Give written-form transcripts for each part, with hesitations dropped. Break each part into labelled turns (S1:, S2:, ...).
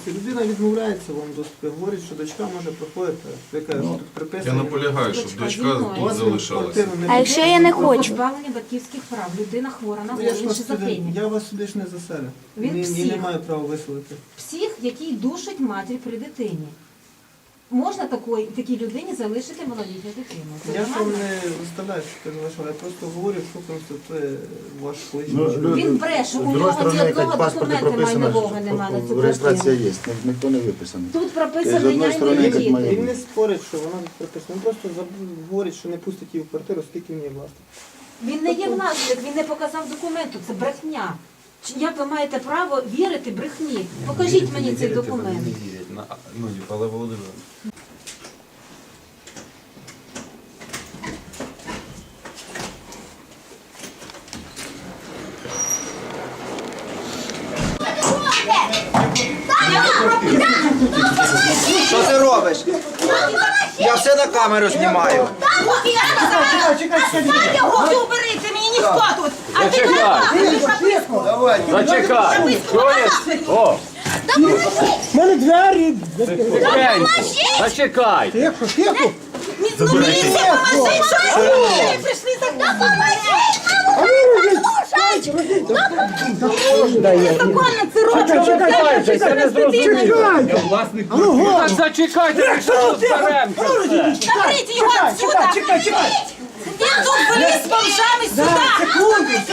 S1: доступі. Людина відмовляється вам в доступі, говорить, що дочка може проходити. Ви кажете, що тут приписано.
S2: Я наполягаю, щоб дочка тут залишалася.
S3: А якщо я не хочу?
S4: Позбавлення батьківських прав. Людина хвора на
S1: Ну, я ж
S4: голову
S1: вас
S4: шизофренія.
S1: я вас сюди ж не заселю.
S4: Він
S1: Ні,
S4: псих.
S1: не маю права виселити.
S4: Псих, який душить матір при дитині. Можна такій людині залишити малолітню дитину? Це
S1: Я ж вам
S4: нормально?
S1: не виставляю, що ти залишила, я просто говорю, що констатує ваш
S5: Ну,
S1: колишній.
S5: люди-
S4: Він бреше,
S5: з
S4: у
S5: другої
S4: нього
S5: сторони,
S4: ні одного
S5: як в паспорті
S4: документа
S5: прописано,
S4: майнового немає на цю
S5: реєстрація
S4: квартиру.
S5: є, ніхто не виписаний.
S4: Тут
S5: З
S4: прописано
S5: одної
S4: я і
S5: сторони,
S4: мої
S5: як
S4: діти.
S5: має-
S1: Він не спорить, що вона тут приписана. Він просто говорить, що не пустить її в квартиру, оскільки він є власник.
S4: Він не є власник, він не показав документу, це брехня. Як ви маєте право вірити брехні? Покажіть мені цей документ.
S2: Ну, Павло Володимирович.
S6: Що ти робиш? Я все на камеру знімаю.
S7: Уберите, мені ніхто тут. А ти
S6: Давай.
S8: Зачекай! Чуєш? О!
S1: У мене двері!
S8: Тихенько! Зачекай!
S1: Тихо, тихо!
S7: міліція, поможіть, що ви робите? Прийшли за Законно це робите.
S8: Це не зрозуміло! Так зачекайте, ви що розберемося все!
S7: Заберіть його отсюда. Він тут вліз з бомжами сюди.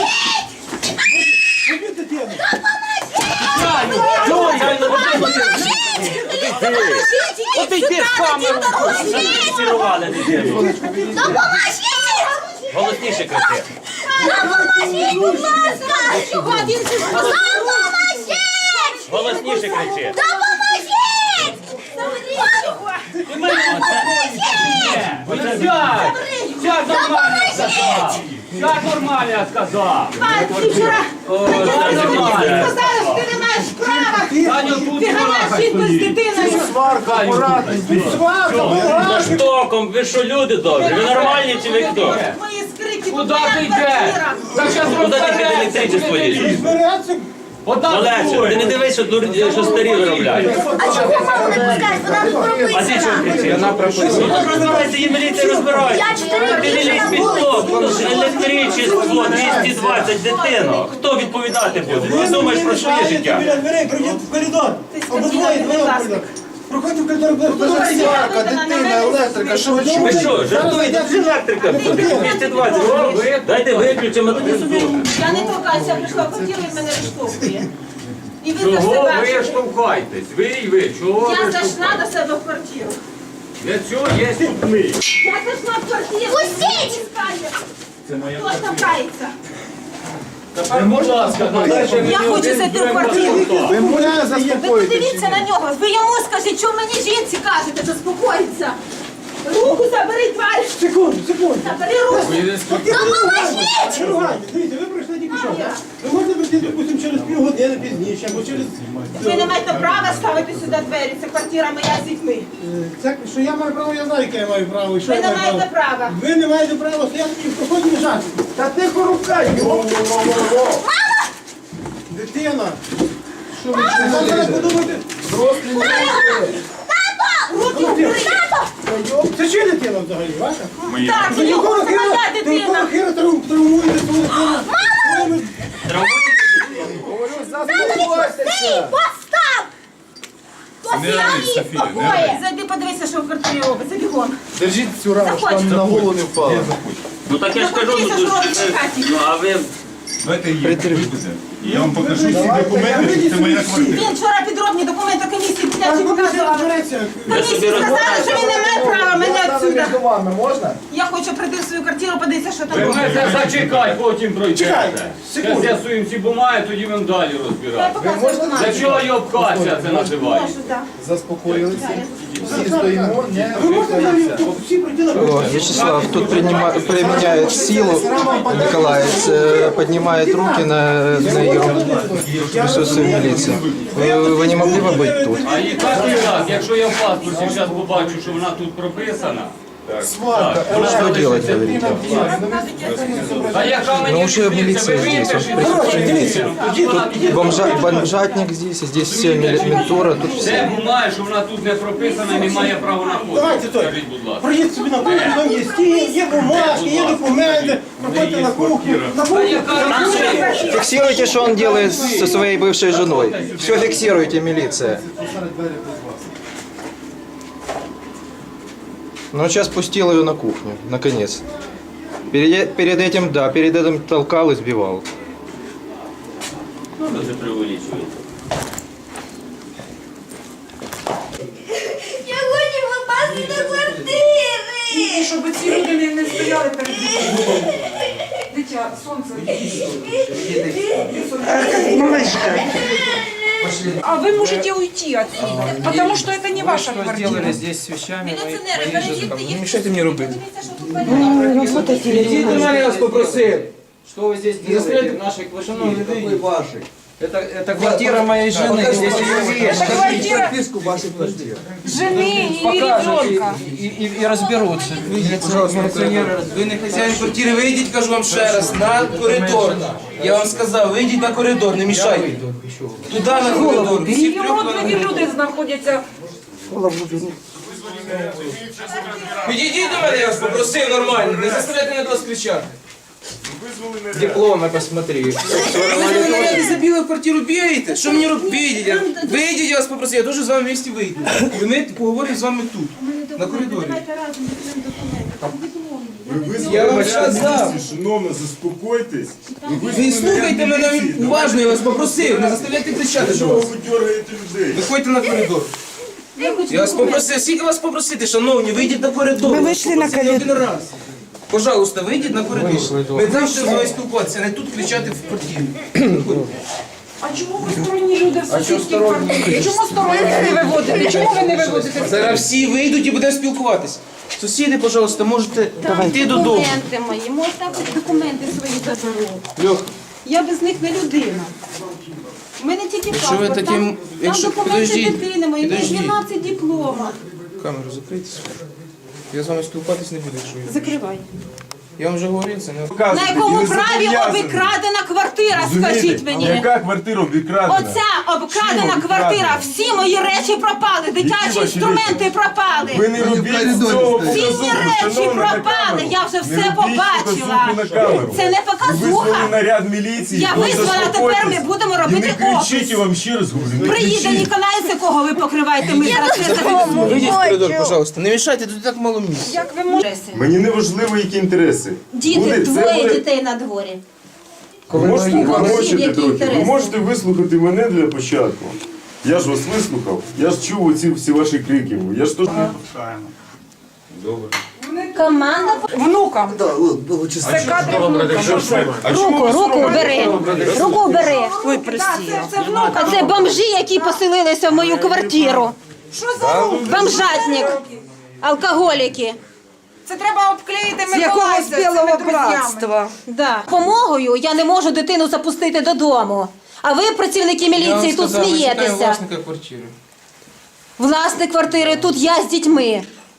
S8: От йди з камеру! Зафіксували дитину! Голосніше кричи!
S7: Допоможіть, будь ласка. Чого він же допоможіть?
S8: Голосніше кричи!
S7: Допоможіть! Заберіть його.
S8: Сядь! Сядь нормально я сказав! Сядь нормально я сказав!
S7: Пан, ти вчора
S8: Нормально!
S7: сказали, що ти не маєш права.
S8: Таню, тут
S7: Ти ганяєш жінку з дитиною.
S8: За штоком, ви що люди добрі? Ви нормальні чи ви хто?
S7: Мої скрики,
S8: Куди
S7: твоя
S8: ти йдеш?
S7: квартира.
S8: Так зараз
S6: Куди ти під електричество полізеш?
S8: Олеже, ти не дивись, що старі виробляють.
S7: А чого маму не пускаєш? Вона тут
S8: А ти чого
S7: прописана.
S8: кричиш? Вона прописана. Ну розбирайся, і міліція розбирається.
S7: Я 4
S8: Ти не
S7: тижні
S8: лізь
S7: на
S8: під
S7: вулиці.
S8: стоп, електричество, 220 дитино. Хто відповідати буде? Ти думаєш про своє життя?
S9: Біля дверей, пройдіть в коридор.
S7: Ти скотина, будь ласка.
S9: Проходьте в коридор.
S6: Сварка, дитина, електрика, що ви
S8: Ви
S6: чуєте?
S8: що, жартуєте? Це електрика буде, 220. Дайте виключимо, а тоді собі.
S7: Я не торкаюся, я прийшла в квартиру і мене розштовхує. І ви за
S8: Чого ви
S7: себе.
S8: штовхаєтесь? Ви і ви, чого
S7: Я
S8: ви
S7: зайшла
S8: штовхаєтесь?
S7: до себе в квартиру.
S8: Для цього є тут ми.
S7: Я зайшла в квартиру. Пустіть! Хто штовхається?
S8: Тепер, будь ласка, надайте мені
S7: Я хочу
S8: один
S7: зайти в
S8: дрон
S7: квартиру.
S8: паспорта.
S7: Ви подивіться на нього. Ви йому скажіть, що мені жінці кажете, заспокоїться. Руку забери, тварь.
S9: Секунду.
S7: Забери руку. Допоможіть!
S9: Не ругайте. Дивіться, ви пройшли тільки що. Ви можете прийти, допустимо, через півгодини пізніше, або через...
S7: Ви не маєте права ставити сюди двері. Це квартира моя з дітьми.
S9: Це, що я маю право, я знаю, яке я маю право. І що
S7: Ви
S9: я
S7: не
S9: маю
S7: маєте права.
S9: Ви не маєте права стояти і в проході лежати. Та тихо рукай! Дитина! Що ви зараз подумаєте?
S7: Руки вбери.
S9: Це чия дитина взагалі, ваша?
S7: Так,
S9: Ви
S7: його
S9: якого
S7: це моя
S9: хера
S7: дитина.
S9: травмуєте свою дитину?
S7: Постав! Зайди, подивися, що в квартирі робиться. Бігом.
S6: Держіть цю раму, щоб
S7: Заходь.
S6: там на голову не впала.
S8: Ну так я ж кажу,
S7: Подивися, що робиться в хаті.
S8: ну а ви...
S2: Давайте її. Я вам покажу всі документи, це моя квартира.
S7: Він вчора підробні документи комісії
S9: А
S7: підняті
S9: ви
S7: показував.
S9: розбереться.
S8: Ви собі
S7: Комісії сказали, що він не має права мене отсюда.
S6: Між вами можна?
S7: Я хочу прийти в свою квартиру, подивитися, що там
S8: Ви
S7: робиться.
S8: мене зачекай, потім пройдете.
S9: Чекайте,
S8: Зараз з'ясуємо ці бумаги, тоді будемо далі
S7: Я
S8: розбирати.
S7: показую
S8: Для
S7: бумагу.
S8: чого йобкація це називається?
S7: Можу, так.
S6: Заспокоїлися. Всі стоїмо, не
S9: Ви можете взагалі всі пройти на
S1: Вячеслав, тут применяет силу, Николаевич поднимает руки на присутствие милиции. Вы не могли бы быть тут?
S8: А і так, якщо я в паспорті зараз побачу, що вона тут прописана,
S9: Сварка.
S6: Что делать, говорите?
S3: А яка мені
S6: Ну, уже милиция здесь.
S9: Короче, дивіться.
S6: Бомжатник здесь все ментора, тут все.
S3: Це бумага, що вона тут не прописана, не має права на ход.
S9: Давайте той.
S3: Скажіть, будь ласка.
S9: Проїдь собі на кухню, там є стіл, є бумажки, є документи. Проходьте на кухню. На кухню.
S6: Фиксируйте, что он делает со своей бывшей женой. Все фиксируйте, милиция. Ну, сейчас пустил ее на кухню, наконец. Перед этим толкал и сбивал.
S8: Ну, ви преувеличуєте.
S7: Я хочу попасти до квартири.
S5: Щоб ці люди не стояли перед дитиною. Дитя, сонце. А вы можете уйти отсюда, потому что это не ваша квартира.
S6: здесь с вещами
S7: Міліціонери, перейдіть їх.
S6: Не мешайте мне рубить.
S7: Подивіться, що тут
S6: Идите, я вас попросил. Что вы здесь делаете в нашей квартире? Вашей. Это квартира моей жены, здесь ее вещи.
S5: Это квартира
S6: вашей квартиры.
S5: жены и ребенка.
S6: И разберутся. Пожалуйста, милиционеры.
S10: Ви не хазяїн квартири, вийдіть, кажу вам ще раз, на коридор. Я вам сказав, вийдіть на коридор, не мішайте. Туди на коридор. Всі
S5: І
S10: трьох
S5: родливі люди знаходяться.
S10: Підійдіть до мене, я вас попросив нормально, не заставляйте мене до вас кричати.
S6: Дипломы посмотри.
S10: Ви мене за білу квартиру бігаєте? Що мені робити? Вийдіть, я вас попросив, я дуже з вами в місті вийду. І ми поговоримо з вами тут, на коридорі. Я вам сказав.
S2: Шановно, заспокойтесь.
S10: Ви слухайте мене уважно, я вас попросив, не заставляйте кричати до вас.
S2: Ви дергаєте людей.
S10: Виходьте на коридор. Я вас попросив, скільки вас попросити, шановні, вийдіть на коридор. Ми вийшли на коридор. Один раз. Пожалуйста, вийдіть на коридор. Ми завжди з вами спілкуватися, не тут кричати в квартирі.
S5: А чому ви сторонні люди в сусідській квартирі? Чому сторонні не виводите? Чому ви не виводите?
S10: Зараз всі вийдуть і будемо спілкуватися. Сусіди, пожалуйста, можете йти додому.
S4: Документи мої, можете документи свої заберу. Я без них не людина. У мене тільки
S10: Якщо ви
S4: паспорт,
S10: таким-
S4: там
S10: якщо-
S4: документи
S10: подождіть,
S4: дитини мої, у мене
S10: подождіть.
S4: 12 дипломів.
S10: Камеру закрийте. Я з вами спілкуватись не буду, якщо я.
S4: Закривай.
S10: Я вам вже говорив, це не...
S7: На якому праві обкрадена квартира, скажіть мені?
S2: Яка квартира обікрадена?
S7: Оця обкрадена квартира, всі мої речі пропали, дитячі інструменти пропали.
S2: Ви не робіть цього
S7: Цінні
S2: показуху,
S7: речі
S2: шановна, на
S7: пропали,
S2: камеру.
S7: я вже
S2: Не
S7: все
S2: робіть
S7: побачила.
S2: показуху на камеру.
S7: Це не
S2: Ви визвали
S7: показуха.
S2: наряд міліції.
S7: Я
S2: ну,
S7: визвала, тепер
S2: заспокойтесь.
S7: ми будемо
S2: І
S7: робити
S2: не кричіть,
S7: опис.
S2: я вам ще раз говорю. Не
S7: Приїде
S2: кричіть.
S7: Ніколаєць, кого ви покриваєте, ми зараз це
S10: Вийдіть в коридор, пожалуйста. Не мішайте, тут так мало місця.
S5: Як ви можете?
S2: Мені не важливо, які інтереси.
S4: Діти,
S2: Це
S4: двоє
S2: буде-
S4: дітей на дворі.
S2: Ви можете
S4: Які
S2: помовчати трохи. Ви
S4: інтереси?
S2: можете вислухати мене для початку. Я ж вас вислухав, я ж чув оці всі ваші крики. Я ж тут не пускаємо. Добре.
S4: Команда.
S5: Внукам. Це кадри внукам.
S4: Руку бери. Руку бери.
S5: Ой, це внука.
S4: А це бомжі, які поселилися в мою квартиру.
S5: Що за руки?
S4: Бомжатник. Алкоголіки.
S5: Це треба обклеїти Миколайця цими друзями.
S4: Да. Помогою я не можу дитину запустити додому. А ви, працівники
S10: Я вам
S4: міліції, тут
S10: сказав, ви шукаєте
S4: смієтеся.
S10: власника квартири.
S4: Власник квартири, тут я з дітьми.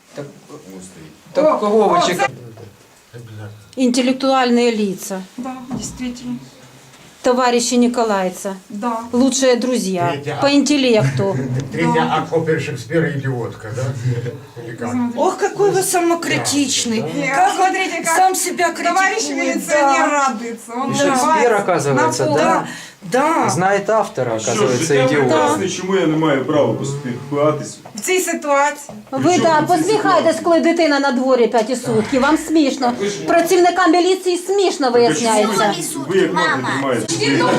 S10: Так кого ви чекаєте?
S4: Интеллектуальные лица.
S5: Да, действительно.
S4: Товарищи Николайца.
S5: Да.
S4: Лучшие друзья. По интеллекту.
S11: Третья акопер Шекспира идиотка, да? Или как?
S5: Ох, какой вы самокритичный. Как, смотрите, как сам себя критикует. Товарищ милиционер радуется. Он
S6: Шекспир, оказывается, да?
S5: Да.
S6: Знает автора,
S2: Що,
S6: оказывается,
S2: життя
S6: идиот.
S2: прекрасне, чому я не маю права поспілкуватися?
S5: В цій ситуації.
S4: Ви так, посміхаєтесь, коли дитина на дворі 5 сутки. Вам смішно. Працівникам міліції смішно виясняється.
S2: Ви як мати тримаєте?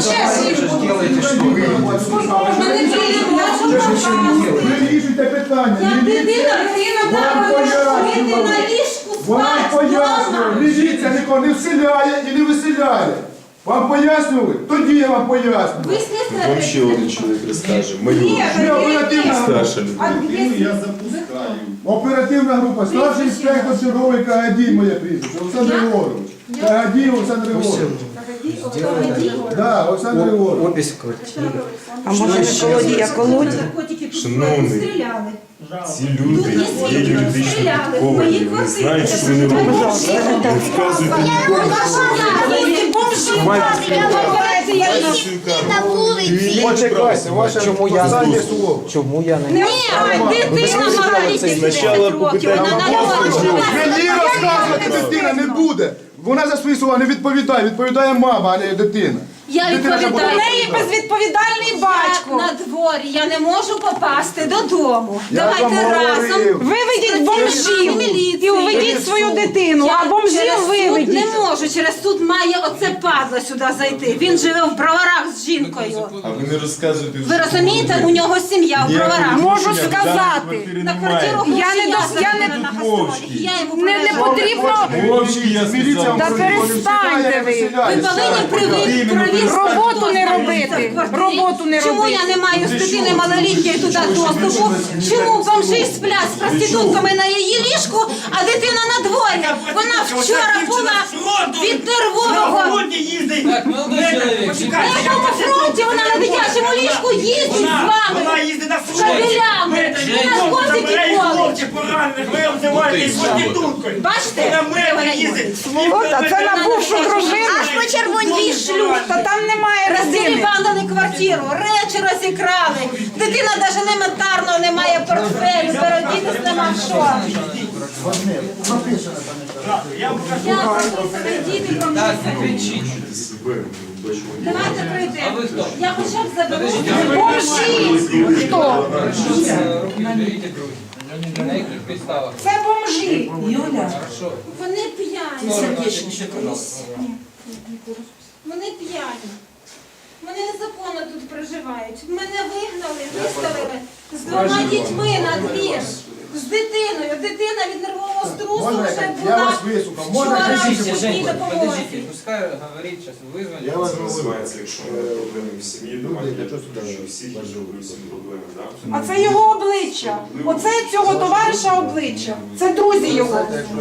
S11: Вирішуйте питання.
S4: Як дитина треба жити на ліжку
S11: Вам
S4: спати
S11: пояснювали,
S4: вдома.
S11: міліція нікого не вселяє і не виселяє. Вам пояснювали? Тоді я вам пояснюю.
S4: Ви слідство
S2: Вам ще один чоловік розкаже. Мою
S11: Ми оперативна група.
S2: старша людина.
S11: Оперативна група. Старший інспектор черговий Кагадій, моє прізвище. Олександр Григорович. Кагадій Олександр Григорович. Так, Олександр Григорович.
S6: Опись в квартире.
S5: А може Миколодія колодія?
S2: Шановний,
S7: Стріляли.
S2: ці люди є юридично
S7: Стріляли.
S2: підковані,
S7: Мої
S2: вони
S7: квартири.
S2: знають, що вони роблять. Не вказуйте нікому.
S7: На вулиці.
S11: Почекайте, ваше останнє слово.
S6: Чому я не...
S7: Ні, дитина маленька.
S2: Спочатку попитайте
S11: Мені розказувати дитина не буде. Вона за свої слова не відповідає. Відповідає мама, а не дитина.
S7: Я
S11: Дитина ж
S7: відповідаю.
S11: буде
S5: У неї безвідповідальний батько.
S7: На дворі, я не можу попасти додому.
S11: Я
S7: Давайте
S11: вам
S7: разом.
S11: говорив.
S5: Виведіть бомжів і уведіть свою дитину, а
S7: Через
S5: бомжів
S7: суд
S5: виведіть.
S7: не можу, через суд має оце падло сюди зайти. Він живе в Броварах з жінкою.
S2: А ви не розказуєте.
S7: Ви розумієте, у нього сім'я в Броварах.
S5: Можу сказати.
S7: На квартиру
S5: Я не до- я не-
S7: на гастролі. І я йому
S5: Не
S7: привезла.
S5: потрібно.
S11: Міліція
S5: Та перестаньте ви.
S7: Ви повинні провірити
S5: Роботу не робити. Роботу не
S7: Чому
S5: робити.
S7: я не маю з дитини малолітньої туди доступу? Чому бомжі сплять з проститутками на її ліжку, а дитина на дворі? Вона вчора була від нервового.
S3: Так, молодой чоловік.
S7: На якому фронті вона на дитячому ліжку їздить з вами? З кабелями, наркотики колить. Бачите, де вона їздить?
S5: Та це на бувшу дружину.
S7: Аж по червоній шлюб.
S5: Та там немає родини.
S7: Роздерибанили квартиру, речі розікрали. Дитина навіть елементарно не має портфелю, передітись нема в що. Я прописаний, діти
S10: Так,
S7: помісяні.
S10: не кричіть.
S7: Давайте прийдемо.
S10: А ви хто?
S7: Я хоча б заберу.
S5: Бомжі. Хто?
S10: Руки беріть друзі. На яких підставах?
S5: Це бомжі.
S10: Хорошо.
S7: Вони п'яні. Вони п'яні. Вони незаконно тут проживають. Мене вигнали, виставили з двома дітьми на двір. З дитиною. Дитина від нервового струсу
S11: Можна
S7: вже
S11: я
S7: була
S11: вас вислухав? Можна
S7: вчора
S11: я
S7: в
S11: кричіть?
S7: шкільній
S10: Женька,
S7: допомозі.
S10: подождите, пускай говорит сейчас, вызвали.
S11: Я вас
S2: Називається, якщо ми проблеми в сім'ї, давайте
S11: для чого сюди
S2: що всіх всі проблеми, так?
S5: А це його обличчя. Оце цього товариша обличчя. Це друзі його.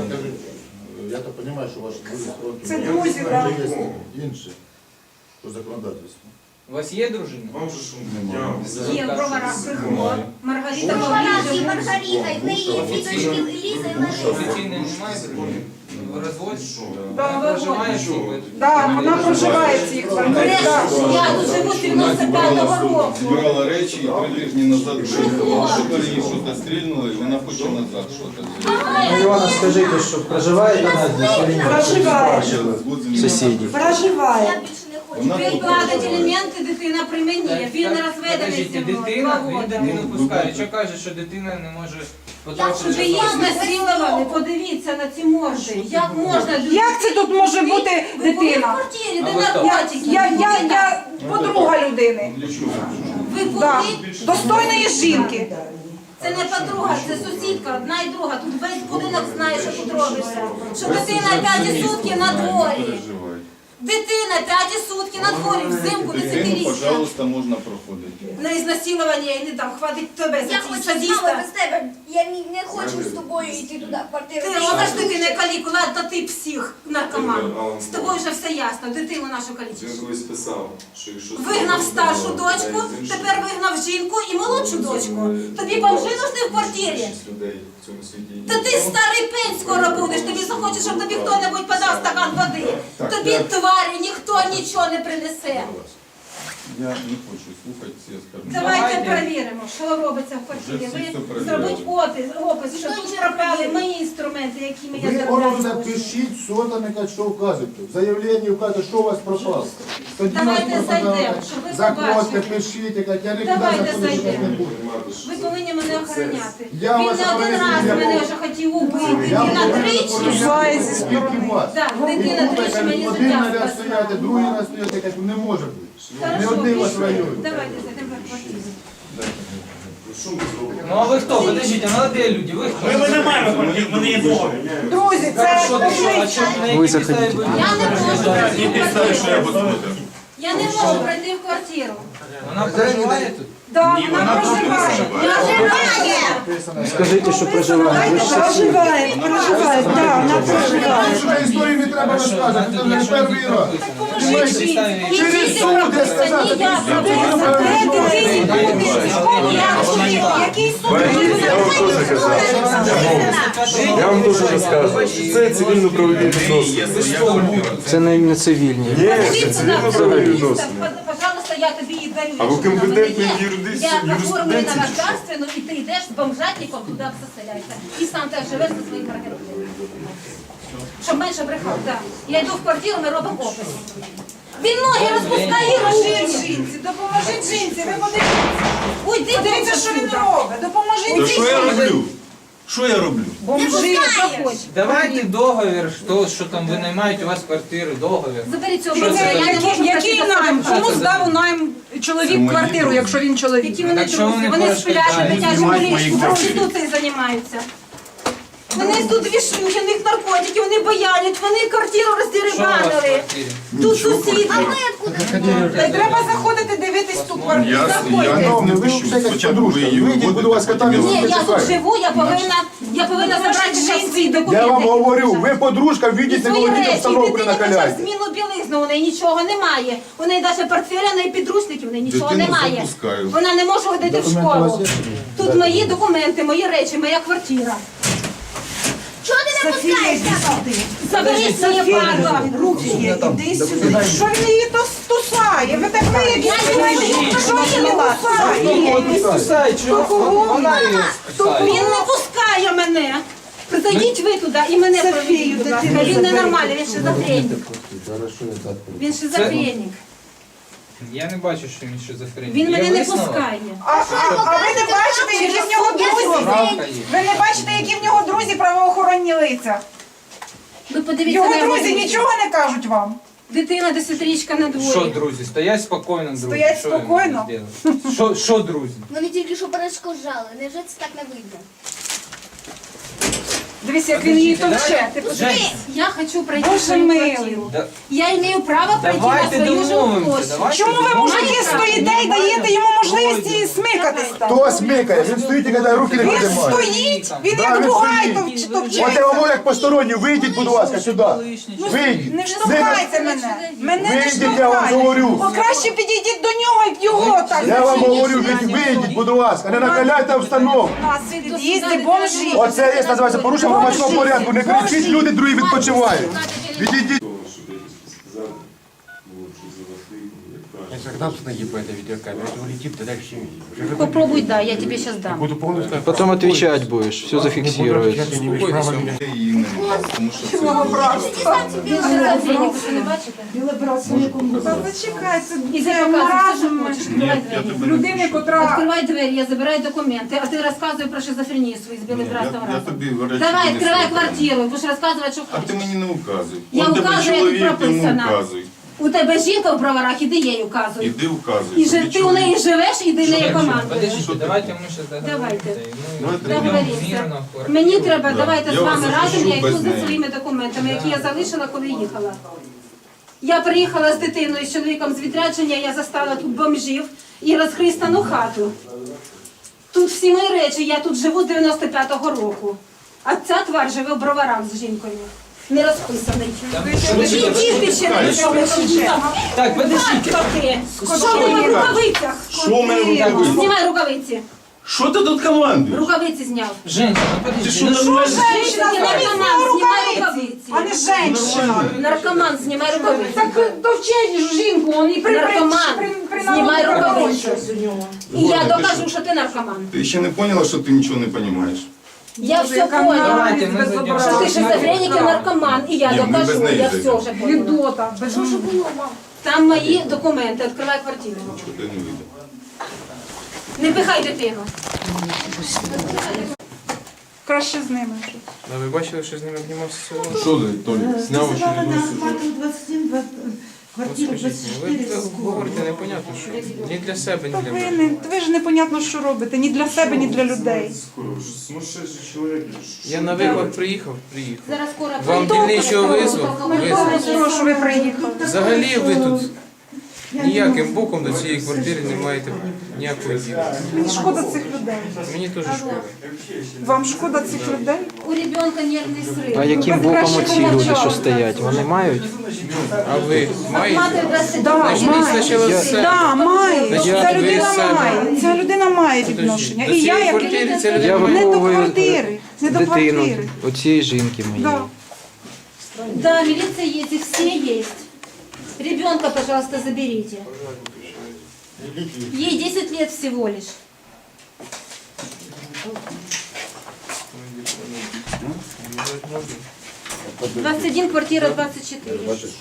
S11: Я то розумію, що ваші друзі строки.
S5: Це друзі, так.
S11: Інше. По законодавству.
S10: У вас є дружина?
S2: Вам же що я
S7: Є в Броварах приходить. Маргарита
S12: Маргарита, і
S7: Павлівна.
S12: Маргарита, і в неї є дві дочки Ліза і Лариса.
S10: Офіційної немає дружини? Ви розводите?
S5: Да,
S10: Проживає всі?
S5: Так, вона проживає в цій квартирі. так.
S7: Я тут живу з 95-го року.
S13: Збирала речі і 3 тижні назад виїхала. Що їй щось стрільнуло, і вона хоче назад щось.
S6: Івана, скажіть, що проживає вона здесь?
S5: Проживає.
S6: Сусіді.
S5: Проживає.
S12: Я більше не хочу.
S7: Він платить елементи, дитина при мені. Він не розведений з
S10: Подождите,
S7: ним 2
S10: дитина, він
S7: роки.
S10: дитину пускає. Що каже, що дитина не може потрапити?
S7: Ви їх насилували, подивіться на ці морди. Як можна людина?
S5: Як це тут може бути
S7: Ви були в
S5: дитина?
S7: квартирі, де
S10: А ви хто?
S7: наркотики.
S5: Я подруга людини.
S7: Ви
S5: Да.
S7: були?
S5: Достойної жінки.
S7: Це не подруга, це сусідка, одна і друга. Тут весь будинок знає, що тут робиться. Що дитина 5 сутки на дворі. Дитина 5 сутки на дворі, взимку
S13: Дитину,
S7: 10-річна.
S13: пожалуйста, можна проходити.
S7: На ізнасилування я не дам, хватить тебе за
S12: Я
S7: ці
S12: хочу з мамою
S7: садіста.
S12: без тебе. Я не хочу з тобою йти туди в квартиру.
S7: Ти робиш дитини каліку, ладно ти псих, наркоман. З тобою вже все ясно, дитину нашу калічиш.
S2: Він колись писав, що якщо...
S7: Вигнав старшу дочку, тепер вигнав жінку і молодшу дочку. Тобі бомжи нужні в квартирі.
S2: людей в цьому світі.
S7: Та ти старий пень скоро будеш, тобі захочеш, щоб тобі хто-небудь подав стакан води. Тобі тварі ніхто нічого не принесе.
S13: Я не хочу слухати ці оскарження.
S7: Давайте перевіримо, що робиться в квартирі.
S13: Вже всі все
S7: Ви
S13: перевіряли.
S7: зробіть опис, що тут пропали мої інструменти, якими я
S11: Ви воно
S7: заробляю.
S11: напишіть, сотами, що вказуєте. В заявленні вказуєте, що у вас пропало. Тоді
S7: Давайте
S11: нас
S7: зайдемо,
S11: пропадає.
S7: щоб ви
S11: Заходьте,
S7: побачили.
S11: пишіть, як я нікуди
S7: Давайте
S11: заходити не
S7: зайдемо.
S11: буду.
S7: Ви повинні мене охороняти.
S11: Я
S7: Він
S11: вас
S7: не один
S11: охороняю,
S7: раз
S11: я
S7: мене
S11: був.
S7: вже хотів убити.
S11: Я
S7: Він на
S11: повинен
S7: тричі.
S11: охороняти тільки вас.
S7: Так,
S11: І
S7: дитина
S11: тут
S7: тричі мені
S11: один
S7: життя
S11: наряд
S7: спасла.
S11: стояти, другий раз стояти, як не може бути. Не
S7: Хорошо,
S11: один вас
S7: пішли.
S11: район.
S7: Давайте зайдемо в квартиру.
S2: Що ми зробимо?
S10: Ну а ви хто? Подождите, молоді люди, ви хто?
S8: Ми не маємо квартир, ми не є договір.
S5: Друзі, це
S10: Що ти що? А чому на якій підставі ви?
S7: Я не можу пройти в квартиру.
S2: посмотрю.
S7: Я не можу пройти в квартиру.
S10: Вона проживає тут?
S5: да, вона проживає.
S6: Скажіть, що проживає. Ви ж
S5: Проживає, проживає, так, вона проживає.
S11: Що історії не треба розказувати, це вже не перший раз.
S5: Поможіть жінці.
S11: Через суд, я сказав,
S7: Ніяк.
S5: Де дитині буде?
S7: Я
S2: Я вам теж казав. Я вам теж розказую, що це цивільно-правові відносини.
S6: Це не цивільні.
S2: Ні, це цивільно-правові відносини.
S7: Пожалуйста, я тобі її дарю.
S2: А ви компетентний юридист?
S7: Я оформлена на государственну, і ти йдеш з бомжатником туди заселяйся. І сам теж живеш зі своїм квартиром. Щоб менше брехав, так. Я йду в квартиру, ми робимо опис. Він ноги розпускає,
S5: Допоможіть жінці, допоможіть жінці, ви подивіться.
S7: Уйди,
S5: Подивіться, що він робить. Допоможіть
S13: Та що я роблю? Що я роблю?
S5: бомжі.
S6: Давайте договір, що там винаймають у вас квартири, договір.
S7: Заберіть цього
S6: Що це
S7: бомжа, я не можу
S5: Який найм? Кому здав у найм чоловік квартиру, якщо він чоловік?
S7: Які вони
S6: Так що
S7: друзі,
S6: вони
S7: вони сплять,
S6: перешкоджають?
S7: дитячі
S13: Знімають мої
S7: поліції,
S13: квартири.
S7: проституцією займаються. Вони тут вішують, у них наркотики, вони боялять, вони квартиру
S6: Що у вас в
S7: роздерибанили.
S6: квартирі?
S7: Тут сусіди.
S5: Та й треба заходити, дивитись ту квартиру.
S13: Я
S5: Заходьте.
S13: не пущу. Спочатку ви її
S11: Вийдіть, будь ласка, там
S13: виводите,
S7: Ні,
S13: потім
S7: я тут живу, я повинна забрати жінці документи.
S11: Я вам говорю, ви подружка,
S7: І
S11: вийдіть, не
S7: свої
S11: володіть
S7: речі,
S11: обстановку
S7: дитині
S11: на
S7: хоча б
S11: колясці.
S7: зміну білизну, у неї нічого немає. У неї навіть портфеля, у неї підручників, у неї нічого
S13: Дитину
S7: немає.
S13: запускаю.
S7: Вона не може ходити в школу. Тут мої документи, мої речі, моя квартира.
S12: Чого ти не пускаєш?
S7: Заберіть своє право.
S5: Руки є, іди сюди. Що він її тусає? Ви так виявіть, що він не тусає?
S7: Він не пускає мене. Зайдіть ви туди і мене проведіть, будь ласка. Він ненормальний, він шизофренік. Він шизофренік.
S6: Я не бачу, що він шизофренік.
S7: Він
S6: Є
S7: мене не
S6: висновок?
S7: пускає.
S5: А ви не бачите, які в нього друзі?
S6: Справка є.
S5: Ви не бачите, які в нього друзі правоохоронні лиця?
S7: Ви подивіться
S5: Його
S7: на
S5: друзі
S7: його
S5: нічого не кажуть вам.
S7: Дитина 10-річка на
S6: Що,
S7: дворі.
S6: друзі, стоять спокійно, друзі.
S5: Стоять
S6: Що я можу
S5: спокійно?
S6: зробити? Що, друзі?
S12: Вони тільки що перешкоджали. Невже це так не вийде?
S5: Дивись, як він її товче. Ти подивись.
S6: Жень,
S7: Я хочу пройти
S5: Боже
S7: свою
S5: милий.
S7: квартиру.
S6: да-
S7: Я маю право пройти на
S6: давайте
S7: свою
S6: домовимося.
S7: жилплощадь.
S6: Давайте
S5: Чому ви, мужики,
S6: домовимося.
S5: стоїте і даєте йому можливість її смикатись там?
S11: Хто смикає? Він стоїть і коли руки не
S5: Він
S11: піднімає.
S5: стоїть, він
S11: Да,
S5: як
S11: він
S5: бугай
S11: стоїть.
S5: товчеться.
S11: От я вам говорю, як посторонні, вийдіть, будь ласка, сюди. Вийдіть.
S5: Не штовхайте мене. Мене не
S11: Вийдіть, я вам
S5: штовхайте.
S11: говорю.
S5: О, краще підійдіть до нього і його так.
S11: Я вам говорю, вийдіть, будь ласка, не накаляйте обстановку.
S5: У нас в під'їзді бомжі.
S11: Оце є, називається, порушення громадського порядку. Не кричіть, люди другі відпочивають. Відійдіть.
S9: Когда установи по этой видеокамере, это улетит, тогда все видит.
S7: Попробуй, да, я тебе сейчас дам.
S9: Буду полностью...
S6: Потом отвечать будешь, все зафиксируется.
S9: Ты не имеешь права меня...
S13: Її не можу, тому що це
S7: Він шизофренік, ви не бачите?
S5: Та зачекай,
S7: І
S5: це
S7: ти показуєш, що
S5: маразм
S7: хочеш. Відкривай двері.
S5: людини, котра...
S7: Відкривай двері, я забираю документи, а ти розказуй про шизофренію свою з білим братом
S13: я
S7: разом.
S13: тобі речі
S7: Давай,
S13: не
S7: відкривай
S13: слухаю.
S7: квартиру, будеш розказувати, що
S13: А ти
S7: хочеш.
S13: мені не указуй.
S7: Я
S13: Он тебе
S7: указую, як
S13: чоловік, йому
S7: прописано.
S13: указуй.
S7: У тебе жінка в броварах, іди їй указуй.
S13: Іди указуй.
S7: І
S13: Тобі
S7: ти у неї живеш, іди неї командуєш.
S6: Подождите, давайте мы сейчас
S7: Давайте.
S13: Давайте
S7: Договоріться. Мені треба,
S13: Да.
S7: давайте
S13: Я
S7: з вами
S13: вас
S7: разом,
S13: запишу
S7: я йду
S13: без
S7: за
S13: неї.
S7: своїми документами, які я залишила, коли їхала. Я приїхала з дитиною, з чоловіком з відрядження, я застала тут бомжів і розхристану хату. Тут всі мої речі, я тут живу з 95-го року. А ця тварь живе в броварах з жінкою. Не розписаний. І діти ще не розписані.
S6: Так, подождите.
S7: Хто ти? Що ти в рукавицях?
S13: Що в мене в рукавицях?
S7: Знімай рукавиці.
S13: Що ти тут командуєш?
S7: Рукавиці зняв.
S6: Женщина, ну
S13: Ти
S6: подожди.
S13: що
S6: ну
S13: нормально?
S5: Женщина,
S7: Ти
S5: зніміть
S7: наркоман,
S5: свої
S7: знімай
S5: рукавиці,
S7: рукавиці.
S5: а не женщина.
S7: Наркоман, знімай рукавиці.
S5: Так товчеш жінку, он і
S7: Наркоман, знімай рукавиці. І я
S13: Ладно, ти
S7: докажу,
S13: що?
S7: що ти наркоман.
S13: Ти ще не поняла, що ти нічого не розумієш?
S7: Я все
S5: яка
S7: поняла.
S6: Давайте мы зайдем.
S7: Що ти шизофренік і наркоман, і я
S13: Ні, ми без
S7: докажу,
S13: неї
S7: я все
S13: зайдемо.
S7: вже поняла.
S5: Відота.
S12: Що ж було, мам?
S7: Там мої документи, відкривай квартиру.
S13: Чого ти не вийде?
S7: Не пихай дитину.
S5: Краще з ними.
S6: Да, ви бачили, що з ними обнімався сьогодні?
S13: Що ти, Толік, зняв очередну
S6: От скажіть мені, ви говорите непонятно, що ні для себе, ні
S5: Та
S6: для
S5: ви,
S6: мене.
S5: ви ж непонятно, що робите. Ні для себе, ні для людей.
S2: Сумасшедший чоловік.
S6: Я на виклик приїхав.
S7: Зараз скоро
S6: Вам
S7: прийду.
S6: дільничого визвав?
S5: Що ви приїхали?
S6: Взагалі ви тут
S10: ніяким боком до цієї квартири не маєте ніякої діла.
S5: Мені шкода цих людей.
S10: Мені теж шкода.
S5: Вам шкода цих людей?
S7: У ребенка нервний срив.
S6: А яким боком оці люди, що стоять? Вони мають?
S10: А ви маєте?
S7: Мати 22
S5: Да,
S10: Значить,
S5: має.
S10: спочатку все.
S5: Да, має.
S10: Значить,
S5: Ця
S10: ви
S5: людина
S10: самі.
S5: має. Ця людина має відношення.
S10: До
S5: І я
S10: цієї
S5: як
S10: квартири ця
S6: Я
S10: людина має.
S5: не до
S6: виховую
S5: квартири. Не до
S6: дитину
S5: квартири.
S6: оцієї жінки моєї.
S5: Да.
S7: Да, милиция есть, и все есть. Ребенка, пожалуйста, заберите. Ей 10 лет всего лишь. — 21, квартира 24.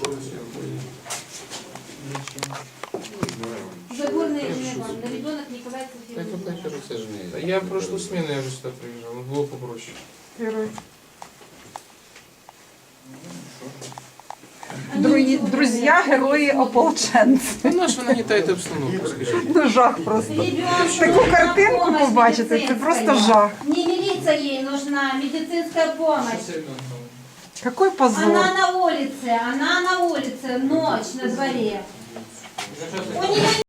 S7: Загорный ребенок Николай Софьевич.
S10: Я в прошлую смену я вже сюди приїжджав, було попроще.
S5: Герой. Друзі, герої ополченці.
S10: Ну, на що ви нагнітаєте обстановку, скажіть?
S5: Ну, жах просто.
S7: Ребенку
S5: Таку
S7: нужна
S5: картинку
S7: помощь
S5: побачити, це
S7: медицинская.
S5: просто жах.
S7: Не милиция ей нужна, медицинская помощь.
S5: Какой позор.
S7: Она на улице, ночь на дворе. У нее